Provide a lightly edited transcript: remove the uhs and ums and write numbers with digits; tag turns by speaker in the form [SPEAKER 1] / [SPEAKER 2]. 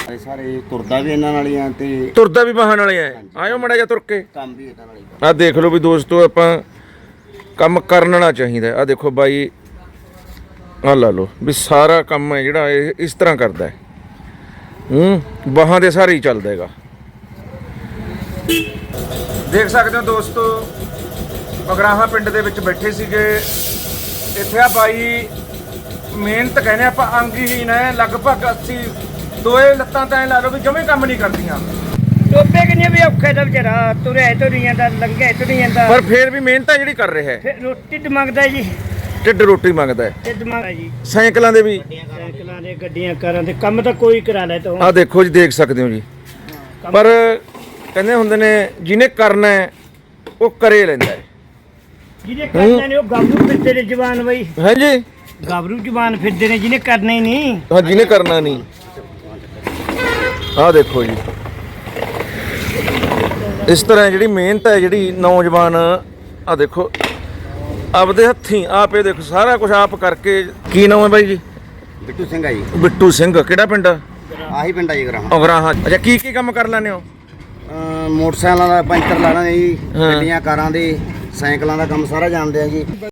[SPEAKER 1] ਸਾਰੇ ਤੁਰਦਾ ਵੀ ਇਹਨਾਂ ਨਾਲ ਹੀ ਆ ਤੇ
[SPEAKER 2] ਤੁਰਦਾ ਵੀ ਵਾਹਨ ਵਾਲੇ ਆ। ਆਇਓ ਮੜਾ ਜਾ ਤੁਰ ਕੇ
[SPEAKER 1] ਕੰਮ ਵੀ ਇਹਨਾਂ ਨਾਲ ਹੀ।
[SPEAKER 2] ਆ ਦੇਖ ਲਓ ਵੀ ਦੋਸਤੋ, ਆਪਾਂ ਕੰਮ ਕਰਨਾ ਚਾਹੀਦਾ। ਆ ਦੇਖੋ ਬਾਈ, ਆ ਲਾ ਲਓ ਵੀ ਸਾਰਾ ਕੰਮ ਹੈ ਜਿਹੜਾ ਇਹ ਇਸ ਤਰ੍ਹਾਂ ਕਰਦਾ ਹੈ। ਬਾਹਾਂ ਦੇ ਸਾਰੇ ਹੀ ਚੱਲਦਾ ਹੈਗਾ। ਦੇਖ ਸਕਦੇ ਹੋ ਦੋਸਤੋ, ਬਗਰਾਹਾ ਪਿੰਡ ਦੇ ਵਿੱਚ ਬੈਠੇ ਸੀਗੇ। ਇੱਥੇ ਆ ਬਾਈ ਮਿਹਨਤ ਕਹਿੰਦੇ ਆਪਾਂ ਅੰਗਹੀਣ ਹੈ, ਲਗਭਗ 80 ਦੋਏ ਲੱਤਾਂ ਤਾਂ ਐ ਲਾ ਲਓ ਵੀ ਜਮੇ ਕੰਮ ਨਹੀਂ ਕਰਦੀਆਂ।
[SPEAKER 3] ਟੋਪੇ ਕਿੰਨੇ ਵੀ ਔਖੇ ਦਾ ਵਿਚਾਰਾ, ਤੁਰਿਆ ਤੁਰੀ ਜਾਂਦਾ, ਲੰਘਿਆ ਤੁਰੀ ਜਾਂਦਾ,
[SPEAKER 2] ਪਰ ਫੇਰ ਵੀ ਮਿਹਨਤ ਹੈ ਜਿਹੜੀ ਕਰ ਰਿਹਾ ਹੈ।
[SPEAKER 3] ਫਿਰ ਰੋਟੀ ਤੇ ਮੰਗਦਾ ਜੀ,
[SPEAKER 2] ਢਿੱਡ ਰੋਟੀ ਮੰਗਦਾ ਹੈ।
[SPEAKER 3] ਢਿੱਡ ਮੰਗਦਾ ਜੀ।
[SPEAKER 2] ਸਾਈਕਲਾਂ ਦੇ ਵੀ,
[SPEAKER 3] ਸਾਈਕਲਾਂ ਦੇ, ਗੱਡੀਆਂ ਕਾਰਾਂ ਦੇ ਕੰਮ ਤਾਂ ਕੋਈ ਕਰਾ ਲੈ ਤੂੰ।
[SPEAKER 2] ਆ ਦੇਖੋ ਜੀ, ਦੇਖ ਸਕਦੇ ਹੋ ਜੀ। ਪਰ ਕਹਿੰਦੇ ਹੁੰਦੇ ਨੇ ਜਿਹਨੇ ਕਰਨਾ ਹੈ ਉਹ ਕਰੇ ਲੈਂਦਾ ਹੈ।
[SPEAKER 3] ਜਿਹਨੇ ਕਰਨਾ ਨੇ ਉਹ ਗਾਬਰੂ ਫਿਰਦੇ ਨੇ ਜਵਾਨ ਬਈ,
[SPEAKER 2] ਹਾਂਜੀ
[SPEAKER 3] ਗਾਬਰੂ ਜਵਾਨ ਫਿਰਦੇ ਨੇ, ਜਿਹਨੇ ਕਰਨਾ ਹੀ ਨਹੀਂ।
[SPEAKER 2] ਹਾਂ, ਜਿਹਨੇ ਕਰਨਾ ਨਹੀਂ। ਆਹ ਦੇਖੋ ਜੀ, ਇਸ ਤਰ੍ਹਾਂ ਜਿਹੜੀ ਮਿਹਨਤ ਹੈ, ਜਿਹੜੀ ਨੌਜਵਾਨ ਆ ਦੇਖੋ ਆਪਦੇ ਹੱਥੀਂ ਆਪ ਇਹ ਦੇਖੋ ਸਾਰਾ ਕੁਝ ਆਪ ਕਰਕੇ। ਕੀ ਨਾਮ ਹੈ ਬਾਈ ਜੀ?
[SPEAKER 1] ਬਿੱਟੂ ਸਿੰਘ ਆ ਜੀ।
[SPEAKER 2] ਬਿੱਟੂ ਸਿੰਘ, ਕਿਹੜਾ ਪਿੰਡ?
[SPEAKER 1] ਆਹੀ ਪਿੰਡ ਆ ਜੀ ਗਰਾਹਾਂ।
[SPEAKER 2] ਅਗਰਾਹਾਂ। ਅੱਛਾ, ਕੀ ਕੀ ਕੰਮ ਕਰ ਲੈਂਦੇ ਹੋ?
[SPEAKER 1] ਮੋਟਰਸਾਈਕਲਾਂ ਦਾ ਪੈਂਚਰ ਲਾਣਾ ਜੀ, ਗੱਡੀਆਂ ਕਾਰਾਂ ਦੇ, ਸਾਈਕਲਾਂ ਦਾ ਕੰਮ ਸਾਰਾ ਜਾਣਦੇ ਆ ਜੀ।